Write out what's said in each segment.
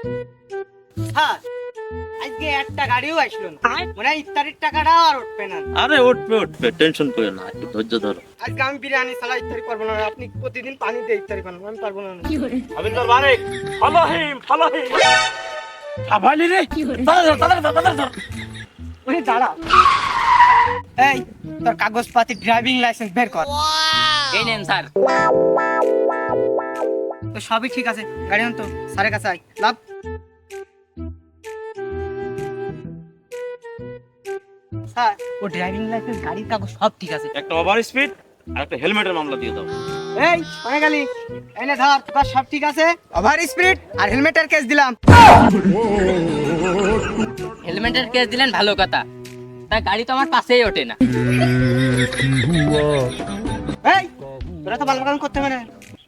হ্যাঁ আজকে একটা গাড়িও আসলো না মনে হয় ইফতারির টাকাটা আর উঠবে না। আরে উঠবে টেনশন করো না, একটু ধৈর্য ধরো। আজকে আমি বিরিয়ানি ছাড়া ইফতারি করবো না, আপনি প্রতিদিন পানি দিয়ে ইফতারি করেন, আমি পারবো না। আবিন্দর বারেক ফলো হিম আভালি রে তাড়াতাড়ি ওই দাঁড়া, এই তোর কাগজপাতি ড্রাইভিং লাইসেন্স বের কর। এই নেন স্যার। তো সবই ঠিক আছে, গাড়ি আন তো স্যারের কাছে আয়। লাভ স্যার, ও ড্রাইভিং লাইসেন্স গাড়ির কাগজ সব ঠিক আছে। একটা ওভার স্পিড আর একটা হেলমেটের মামলা দিয়ে দাও। এই কোনে গেলি? এনে ধর, তোর সব ঠিক আছে। ওভার স্পিড আর হেলমেটের কেস দিলাম। হেলমেটের কেস দিলেন ভালো কথা, তা গাড়ি তো আমার পাশেই ওঠে না। এই তোরা তো ভালো কাম করতে পারে।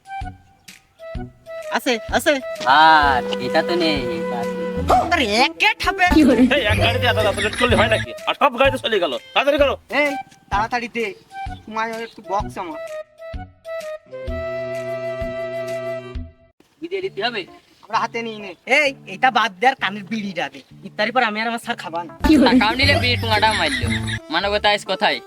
আছে আছে আর এটা তো নেই, এটা আছে। আরে একে ঠাপে। এই এক গাড়িতে এত লেট করলে হয় নাকি? আর সব গাড়িতে চলে গেল, তাড়াতাড়ি করো। এই তাড়াতাড়ি দে, সময় একটু বক্স আমার। বিদে দিতে হবে। আমরা হাতে নিই নে। এই এটা বাদ দে আর কানের বিড়িটা দে, ইফতারি পর আমি আর আমার স্যার খাবান। টাকাও নিলে বিড়ি টুঙাটা মারলো। মানবতা আজ কোথায়?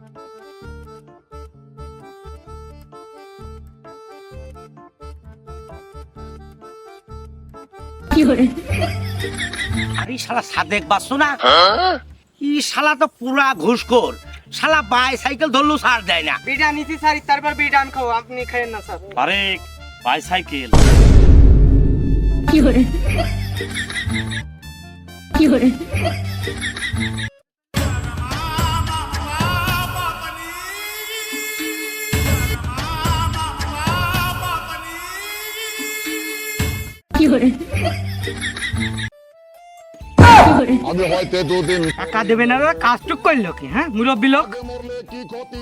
আরে শালা সাদেক বাসু না, ই শালা তো পুরা ঘুষখোর। শালা বাইসাইকেল ধরলু ছাড় দেয় না। বিড়িটা নিছি স্যার, ইফতার পর বিড়িটা আন খাও, আপনি খাইেন না স্যার। বারেক বাইসাইকেল আমি হয়তো দুদিন টাকা দেবে না, কাজটুক করলো কি? হ্যাঁ মুরব্বী লোক। আগে মরলে কি ক্ষতি।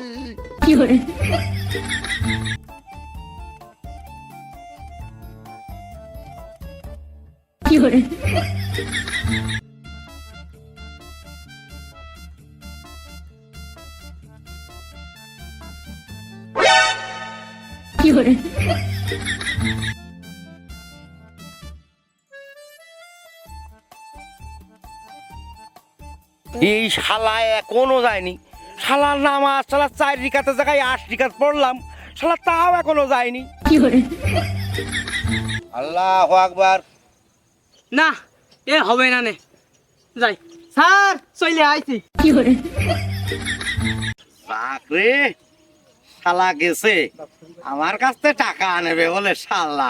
এই শালা এখনো যায়নি। শালার নামাজ শালা 4 রিকাতের জায়গায় 8 রিকাত পড়লাম, শালা তাও এখনো যায়নি। আল্লাহু আকবার। না এ হবে না, নে যাই। স্যার চলে আইছি। বাকরে শালা গেছে, আমার কাছ থেকে টাকা নেবে বলে শালা।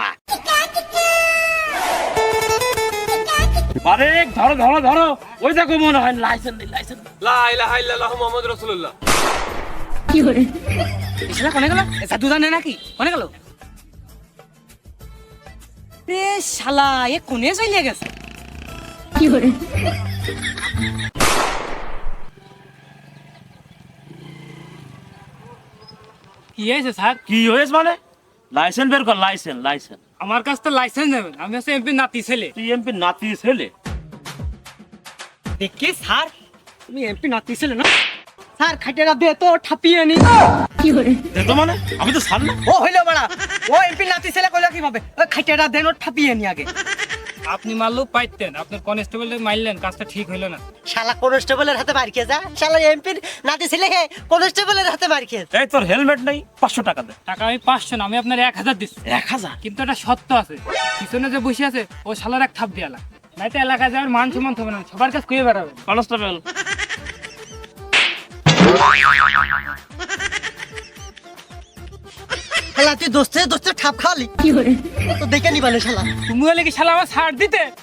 বারেক ধরো ধরো ধরো, ওই দেখো মনে হয় লাইসেন্স নেই, লাইসেন্স। লা ইলাহা ইল্লাল্লাহু মুহাম্মাদুর রাসূলুল্লাহ। এসলা কোনে গেল? এ জাদু জানে নাকি? কোনে গেল? রে শালা এ কোনে চলে গেছে? কি হয়েছে স্যার? কি হয়েছে মানে? লাইসেন্স বের কর, লাইসেন্স। আমার কাছ থেকে লাইসেন্স নেবেন? আমি হচ্ছে এমপি নাতি ছেলে। তুই এমপি নাতি ছেলে? দেখি স্যার, তুমি এমপি নাতি ছিলে না? স্যার খাইটেরা দে তো ঠাপিয়ে নি। দে তো মানে, আমি তো ছাড় না। ও হইলো বড়া, ও এমপি নাতি ছেলে কইলো কিভাবে? ওই খাইটেরা দেন ও ঠাপিয়ে নি আগে। আপনি মারলেও পাইতেন, আপনার কনস্টেবল মারলেন, কাজটা ঠিক হইলো না। শালা কনস্টেবলের হাতে মার খেয়ে যা, শালা এমপির নাতি ছেলে হে কনস্টেবলের হাতে মার খেয়ে। এই তোর হেলমেট নেই, 500 টাকা দে। টাকা আমি 500 না, আমি আপনার 1000 দিচ্ছি। 1000? কিন্তু একটা সত্য আছে, পিছনে যে বসে আছে ও শালার এক থাপ দিয়ালা, নাই তো এলাকায় যাওয়ার মান সম্মান হবে না, সবার কাছে কুয়ে বেড়াবে। কনস্টেবল শালা তুই দোস্তে দোস্তে ঠাপ খাওয়ালি তো দেখে নিবালে শালা। তুমি হলে কি শালা আমার ছাড় দিতে?